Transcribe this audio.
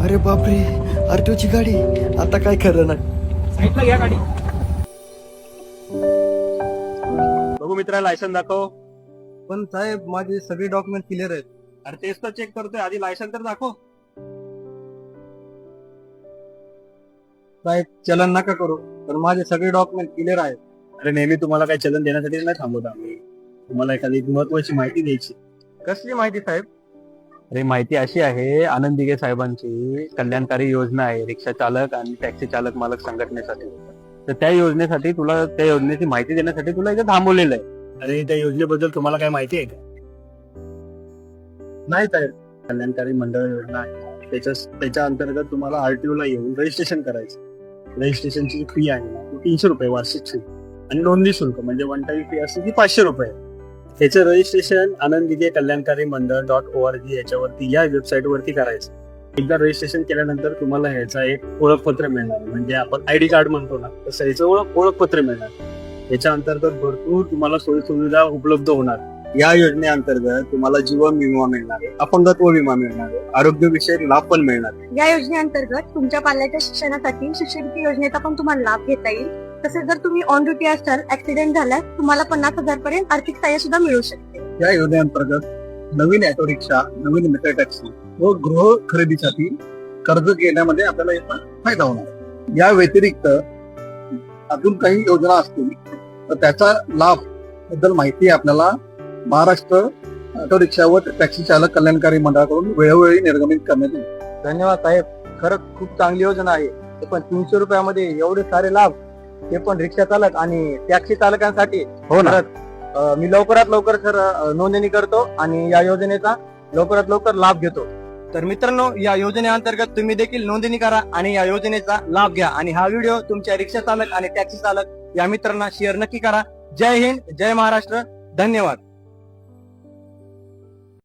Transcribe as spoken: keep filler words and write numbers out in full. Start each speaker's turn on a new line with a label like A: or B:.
A: अरे बापरे, आरटीओची गाडी. आता काय खरं नाही.
B: साईडला घ्या गाडी. बघू मित्रा, लायसन दाखव.
A: पण साहेब, माझे सगळे डॉक्युमेंट क्लिअर आहेत.
B: अरे तेच तर चेक करतोय, आधी लायसन तर दाखव.
A: साहेब, चलन नका करू, पण माझे सगळे डॉक्युमेंट क्लिअर आहेत.
B: अरे नेहमी तुम्हाला काही चलन देण्यासाठी नाही थांबवत आम्ही. तुम्हाला एखादी महत्वाची माहिती द्यायची.
A: कसली माहिती साहेब?
B: अरे माहिती अशी आहे, आनंद दिघे साहेबांची कल्याणकारी योजना आहे रिक्षा चालक आणि टॅक्सी चालक मालक संघटनेसाठी. तर त्या योजनेसाठी तुला त्या योजनेची माहिती देण्यासाठी तुला इथे थांबवलेलं आहे. अरे त्या योजनेबद्दल तुम्हाला काय माहिती आहे का?
A: नाही साहेब.
B: कल्याणकारी मंडळ योजना आहे. त्याच्या त्याच्या अंतर्गत तुम्हाला आरटीओ ला येऊन रजिस्ट्रेशन करायचं. रजिस्ट्रेशनची फी आहे ना, ती तीनशे रुपये वार्षिक फी आणि नोंदणी शुल्क म्हणजे वन टाइम फी असते ती पाचशे रुपये. त्याचं रजिस्ट्रेशन आनंद दिघे कल्याणकारी मंडळ डॉट ओ आर जी याच्यावरती या वेबसाईट वरती करायचं. एकदा रजिस्ट्रेशन केल्यानंतर तुम्हाला ह्याचा एक ओळखपत्र मिळणार, म्हणजे आपण आयडी कार्ड म्हणतो ना, तसं याचं ओळख ओळखपत्र मिळणार. याच्या अंतर्गत भरपूर तुम्हाला सोयी सुविधा उपलब्ध होणार. या योजनेअंतर्गत तुम्हाला जीवन विमा मिळणार, अपंगत्व विमा मिळणार, आरोग्य विषयक लाभ पण मिळणार.
C: या योजनेअंतर्गत तुमच्या पाल्याच्या शिक्षणासाठी शिष्यवृत्ती योजनेचा पण तुम्हाला लाभ घेता येईल. तसेच जर तुम्ही ऑन ड्युटी असाल, ऍक्सिडेंट झाल्यास तुम्हाला पन्नास हजार पर्यंत आर्थिक सहाय्य सुद्धा मिळू शकते.
A: या योजनेअंतर्गत नवीन ऑटो रिक्षा, नवीन मेट्रो टॅक्सी व गृह खरेदीसाठी कर्ज घेण्यामध्ये आपल्याला याचा फायदा होणार. या व्यतिरिक्त अजून काही योजना असतील तर त्याचा लाभ बद्दल माहिती आपल्याला महाराष्ट्र ऑटो रिक्षा व टॅक्सी चालक कल्याणकारी मंडळाकडून वेळोवेळी निर्गमित करण्यात येईल. धन्यवाद साहेब, खरंच खूप चांगली योजना आहे. ते पण तीनशे रुपयामध्ये एवढे सारे लाभ, ते पण रिक्षा चालक आणि टॅक्सी चालकांसाठी.
B: हो ना.
A: अं, मी लवकरात लवकर सर नोंदणी करतो आणि या योजनेचा लवकरात लवकर लाभ घेतो. तर मित्रांनो, या योजनेअंतर्गत तुम्ही देखील नोंदणी करा आणि या योजनेचा लाभ घ्या. आणि हा व्हिडिओ तुमच्या रिक्षा चालक आणि टॅक्सी चालक या मित्रांना शेअर नक्की करा. जय हिंद, जय महाराष्ट्र, धन्यवाद.